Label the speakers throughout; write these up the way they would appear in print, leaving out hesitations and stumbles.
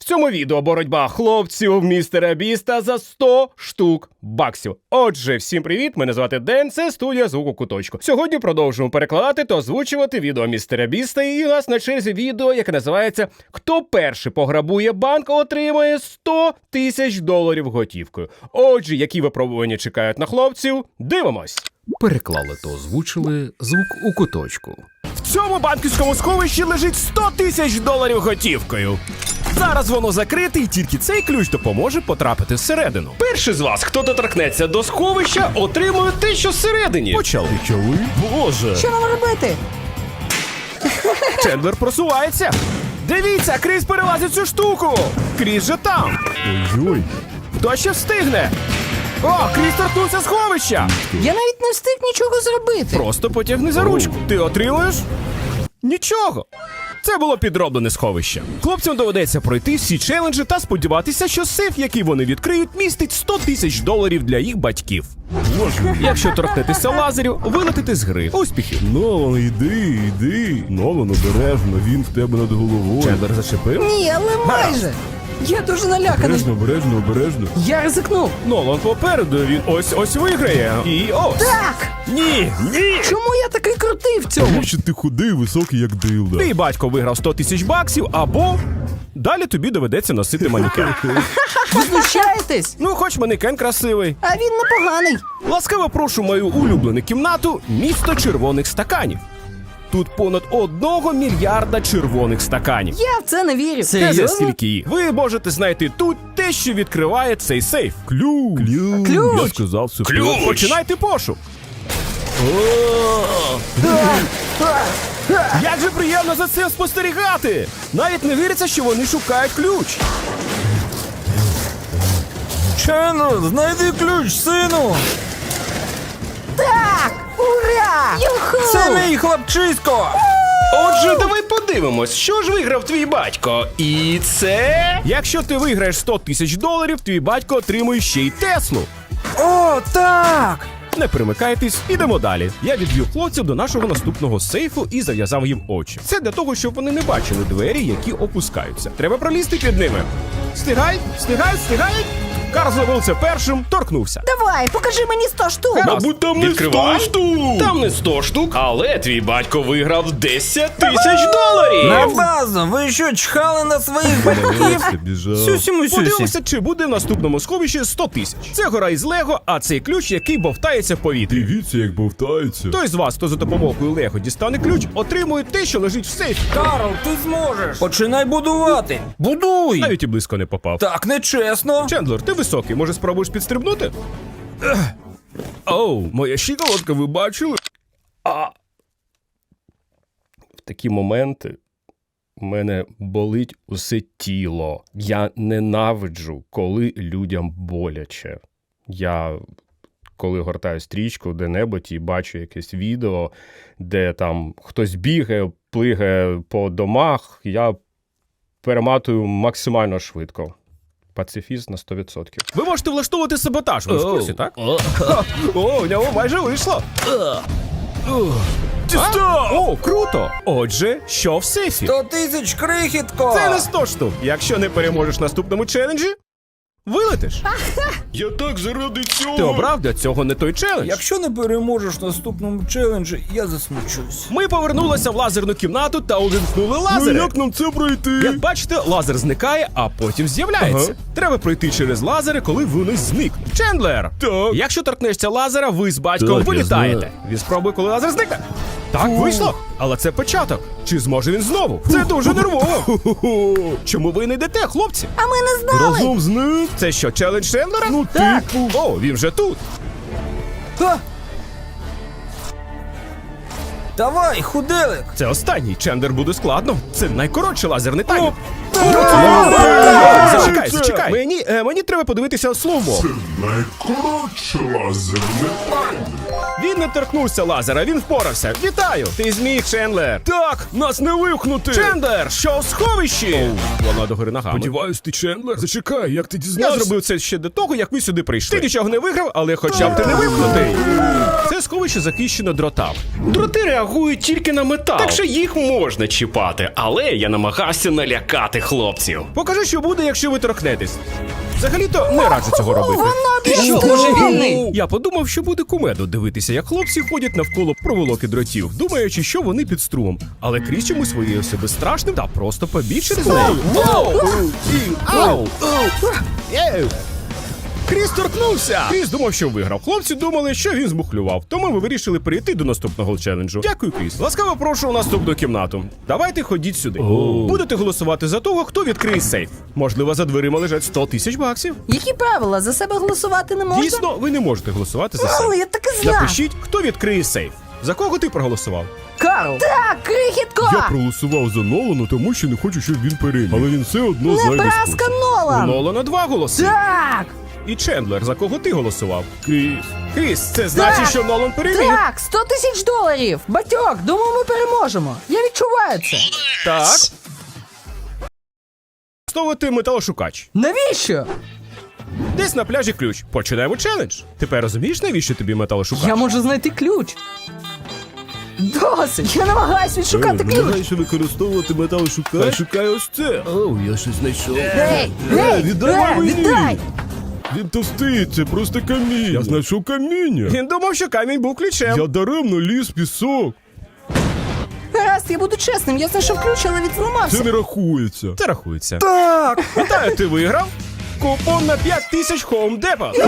Speaker 1: В цьому відео боротьба хлопців містера Біста за 100 штук баксів. Отже, всім привіт, мене звати Ден, це студія Звук у куточку. Сьогодні продовжуємо перекладати та озвучувати відео містера Біста, і у нас на черзі відео, яке називається «Хто перший пограбує банк, отримає 100 тисяч доларів готівкою». Отже, які випробування чекають на хлопців, дивимось.
Speaker 2: Переклали та озвучили Звук у куточку.
Speaker 1: В цьому банківському сховищі лежить 100 тисяч доларів готівкою. Зараз воно закрите, і тільки цей ключ допоможе потрапити всередину. Перший з вас, хто доторкнеться до сховища, отримує те, що всередині. Почали. Боже.
Speaker 3: Що нам робити?
Speaker 1: Чендлер просувається. Дивіться, Кріс перелазить цю штуку. Кріс же там.
Speaker 4: Ой-ой.
Speaker 1: Хто ще встигне? О, Кріс торкнувся сховища.
Speaker 3: Я навіть не встиг нічого зробити.
Speaker 1: Просто потягни за ручку. Ти отримуєш? Нічого. Це було підроблене сховище. Хлопцям доведеться пройти всі челенджі та сподіватися, що сейф, який вони відкриють, містить 100 тисяч доларів для їх батьків. Якщо торкнетеся лазерів, вилетите з гри. Успіхів!
Speaker 4: Нолан, йди. Нолан, обережно, він в тебе над головою.
Speaker 1: Чендлер зачепив.
Speaker 3: Ні, але майже. Я дуже наляканий.
Speaker 4: Обережно.
Speaker 3: Я ризикнув.
Speaker 1: Нолан попереду, він ось виграє. І ось.
Speaker 3: Так!
Speaker 1: Ні!
Speaker 3: Чому я такий крутий в цьому?
Speaker 4: Тому що ти худий, високий, як дилда.
Speaker 1: Твій батько виграв 100 тисяч баксів, або далі тобі доведеться носити манекен.
Speaker 3: Ви знущаєтесь?
Speaker 1: Ну, хоч манекен красивий.
Speaker 3: А він непоганий.
Speaker 1: Ласкаво прошу мою улюблену кімнату «Місто червоних стаканів». Тут понад 1 мільярда червоних стаканів.
Speaker 3: Я в це не вірю.
Speaker 1: Те за стільки їх. Ви можете знайти тут те, що відкриває цей сейф.
Speaker 4: Ключ.
Speaker 3: Ключ.
Speaker 4: Я сказав все.
Speaker 1: Починайте пошук. Як же приємно за цим спостерігати! Навіть не віриться, що вони шукають ключ.
Speaker 5: Чендлер, знайди ключ, сину!
Speaker 3: Так! Ура! Юху!
Speaker 5: Це мій хлопчисько!
Speaker 1: Отже, давай подивимось, що ж виграв твій батько. І це... Якщо ти виграєш 100 тисяч доларів, твій батько отримує ще й Теслу.
Speaker 5: О, так!
Speaker 1: Не перемикайтесь, ідемо далі. Я відвів хлопців до нашого наступного сейфу і зав'язав їм очі. Це для того, щоб вони не бачили двері, які опускаються. Треба пролізти під ними. Встигай! Карл зробив це першим, торкнувся.
Speaker 3: Давай, покажи мені 100 штук.
Speaker 1: Мабуть, там не 100 штук. Там не 100 штук, але твій батько виграв 10 тисяч доларів.
Speaker 5: На базу! Ви що, чхали на своїх батьків?
Speaker 4: Біжав.
Speaker 5: Сюсі-мусюсі.
Speaker 1: Подивимося, чи буде в наступному сховищі 100 тисяч. Це гора із Лего, а цей ключ, який бовтається в повітрі.
Speaker 4: Дивіться, як бовтається.
Speaker 1: Той з вас, хто за допомогою Лего дістане ключ, отримує те, що лежить в сейфі.
Speaker 5: Карл, ти зможеш! Починай будувати! Будуй!
Speaker 1: Навіть і близько не попав.
Speaker 5: Так нечесно!
Speaker 1: Чендлер, ти високий, може спробуєш підстрибнути? Оу, моя щиколотка, ви бачили? В такі моменти у мене болить усе тіло. Я ненавиджу, коли людям боляче. Я, коли гортаю стрічку де-небудь і бачу якесь відео, де там хтось бігає, плигає по домах, я перематую максимально швидко. Пацифіст на 100%. Ви можете влаштовувати саботаж, ви в курсі, так? О, у нього майже вийшло. О, круто! Отже, що в сейфі?
Speaker 5: 100 тисяч, крихітко!
Speaker 1: Це не 100 штук. Якщо не переможеш в наступному челенджі, вилетиш.
Speaker 4: Я так заради цього.
Speaker 1: Ти обрав для цього не той челендж.
Speaker 5: Якщо не переможеш в наступному челенджі, я засмучусь.
Speaker 1: Ми повернулися в лазерну кімнату та увімкнули лазери.
Speaker 4: Ну як нам це пройти?
Speaker 1: Як бачите, лазер зникає, а потім з'являється.
Speaker 4: Ага.
Speaker 1: Треба пройти через лазери, коли вони зникнуть. Чендлер!
Speaker 4: Так.
Speaker 1: Якщо торкнешся лазера, ви з батьком
Speaker 4: Так, я
Speaker 1: вилітаєте.
Speaker 4: знаю.
Speaker 1: Він спробує, коли лазер зникне. Так, вийшло. Але це початок. Чи зможе він знову? Це дуже нервово. Чому ви не йдете, хлопці?
Speaker 3: А ми не знали.
Speaker 4: Разом з ним?
Speaker 1: Це що, челендж Чендлера?
Speaker 4: Ну,
Speaker 3: Так.
Speaker 4: типу.
Speaker 1: О, він вже тут.
Speaker 5: Ха! Давай, худелик!
Speaker 1: Це останній. Чендлер буде складно. Це найкоротший лазерний таймер. Зачекай. Мені треба подивитися слово.
Speaker 6: Найкоротше лазерне таймер.
Speaker 1: Він не торкнувся лазера, він впорався. Вітаю! Ти зміг, Чендлер.
Speaker 4: Так, нас не вивхнути.
Speaker 1: Чендлер, що в сховищі? Вона догори ногами.
Speaker 4: Сподіваюсь, ти Чендлер. Зачекай, як ти
Speaker 1: Я
Speaker 4: дізнався?
Speaker 1: зробив це ще до того, як ви сюди прийшли. Ти нічого не виграв, але хоча б ти не випнутий. Це сховище захищено дротами. Дроти реагують тільки на метал, так що їх можна чіпати, але я намагався налякати хлопців. Покажу, що буде, якщо ви торкнетесь. Взагалі-то не раджу цього робити.
Speaker 3: Ти що, божевільний?
Speaker 1: Я подумав, що буде кумедно дивитися, як хлопці ходять навколо проволоки дротів, думаючи, що вони під струмом. Але Кріс чомусь виявився безстрашним та просто побіг через неї. Ау! Кріс торкнувся! Кріс думав, що виграв. Хлопці думали, що він змухлював. Тому ми вирішили перейти до наступного челенджу. Дякую, Кріс. Ласкаво прошу у наступну кімнату. Давайте ходіть сюди. Будете голосувати за того, хто відкриє сейф. Можливо, за дверима лежать 100 тисяч баксів.
Speaker 3: Які правила? За себе голосувати не можна?
Speaker 1: Дійсно, ви не можете голосувати за
Speaker 3: Але
Speaker 1: сейф.
Speaker 3: я так і знав.
Speaker 1: Напишіть, хто відкриє сейф. За кого ти проголосував?
Speaker 3: Карл. Так, крихітко!
Speaker 4: Я проголосував за Нолана, тому що не хочу, щоб він переміг. Але він все одно знайде
Speaker 3: Небраска
Speaker 4: спосіб.
Speaker 1: У
Speaker 3: Нолан!
Speaker 1: Нолана 2 голоси.
Speaker 3: Так!
Speaker 1: І Чендлер, за кого ти голосував? Кріс, це значить,
Speaker 3: Так.
Speaker 1: що Нолан переміг.
Speaker 3: Так, 100 тисяч доларів! Батьок, думаю, ми переможемо. Я відчуваю це.
Speaker 1: Так. Ставити металошукач.
Speaker 3: Навіщо?
Speaker 1: Десь на пляжі ключ. Починаємо челендж. Тепер розумієш, навіщо тобі металошукач?
Speaker 3: Я можу знайти ключ. Досить! Я намагаюсь відшукати ключ.
Speaker 4: Намагаєш використовувати металошукач? Шукай ось це. Оу, я щось знайшов.
Speaker 3: Гей! Гей!
Speaker 4: Віддай мені!
Speaker 3: Віддай!
Speaker 4: Він товстий, це просто каміння. Я знайшов каміння.
Speaker 1: Він думав, що камінь був ключем.
Speaker 4: Я даремно ліз в пісок.
Speaker 3: Гаразд, я буду чесним, я знайшов ключ, але він зламався.
Speaker 4: Це не рахується.
Speaker 1: Це рахується. Так. Вітаю, ти виграв. Купон на 5000 Home Depot.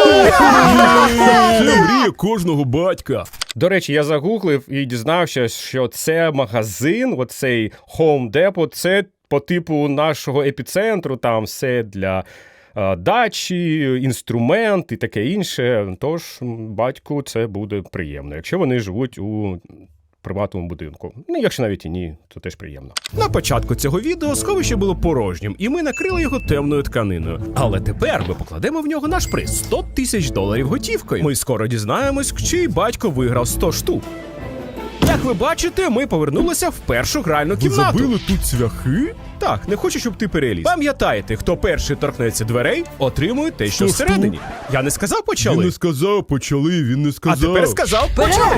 Speaker 4: Це мрія кожного батька.
Speaker 1: До речі, я загуглив і дізнався, що це магазин, оцей Home Depot, це по типу нашого епіцентру, там все для дачі, інструмент і таке інше. Tож батьку це буде приємно, якщо вони живуть у приватному будинку. Ну, якщо навіть і ні, то теж приємно. На початку цього відео сховище було порожнім, і ми накрили його темною тканиною. Але тепер ми покладемо в нього наш приз – 100 тисяч доларів готівкою. Ми скоро дізнаємось, чий батько виграв 100 штук. Як ви бачите, ми повернулися в першу гральну
Speaker 4: Ви
Speaker 1: кімнату.
Speaker 4: забили тут цвяхи?
Speaker 1: Так, не хочу, щоб ти переліз. Пам'ятайте, хто перший торкнеться дверей, отримує те, що
Speaker 4: Що
Speaker 1: всередині. Я не сказав
Speaker 4: Він
Speaker 1: почали.
Speaker 4: не сказав, почали, він не
Speaker 1: А
Speaker 4: сказав.
Speaker 1: тепер сказав
Speaker 3: Вперед!
Speaker 1: почали.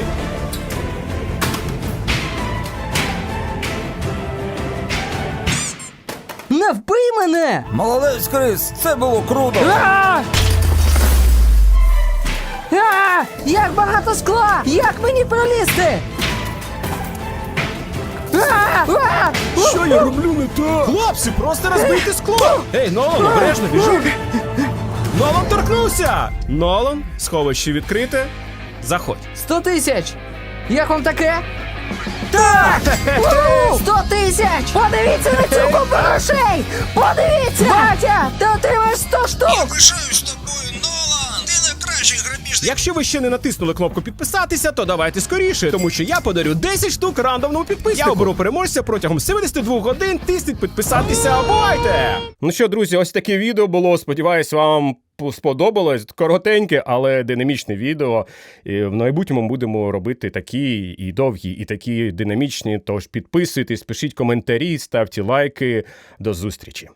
Speaker 3: Не вбий мене!
Speaker 5: Молодець, Кріс, це було круто.
Speaker 3: А! А! Як багато скла! Як мені пролізти? А! А!
Speaker 4: Що я роблю не так?
Speaker 1: Хлопці, просто розбийте скло! Ей, Нолан, обережно, біжи! Нолан торкнувся! Нолан, сховище відкрите. Заходь.
Speaker 3: 100 тисяч! Як вам таке? Так! 100 тисяч! Подивіться на цю купу грошей! Подивіться! Батя, ти отримаєш 100 штук!
Speaker 7: Пишаюсь тобою, Нолан! Ти найкращий грабіжник!
Speaker 1: Якщо ви ще не натиснули кнопку підписатися, то давайте скоріше, тому що я подарю 10 штук рандомному підписнику. Я оберу переможця протягом 72 годин. Тисніть підписатися, бувайте! Ну що, друзі, ось таке відео було. Сподіваюсь, вам сподобалось. Коротеньке, але динамічне відео. І в майбутньому будемо робити такі і довгі, і такі динамічні. Тож підписуйтесь, пишіть коментарі, ставте лайки. До зустрічі!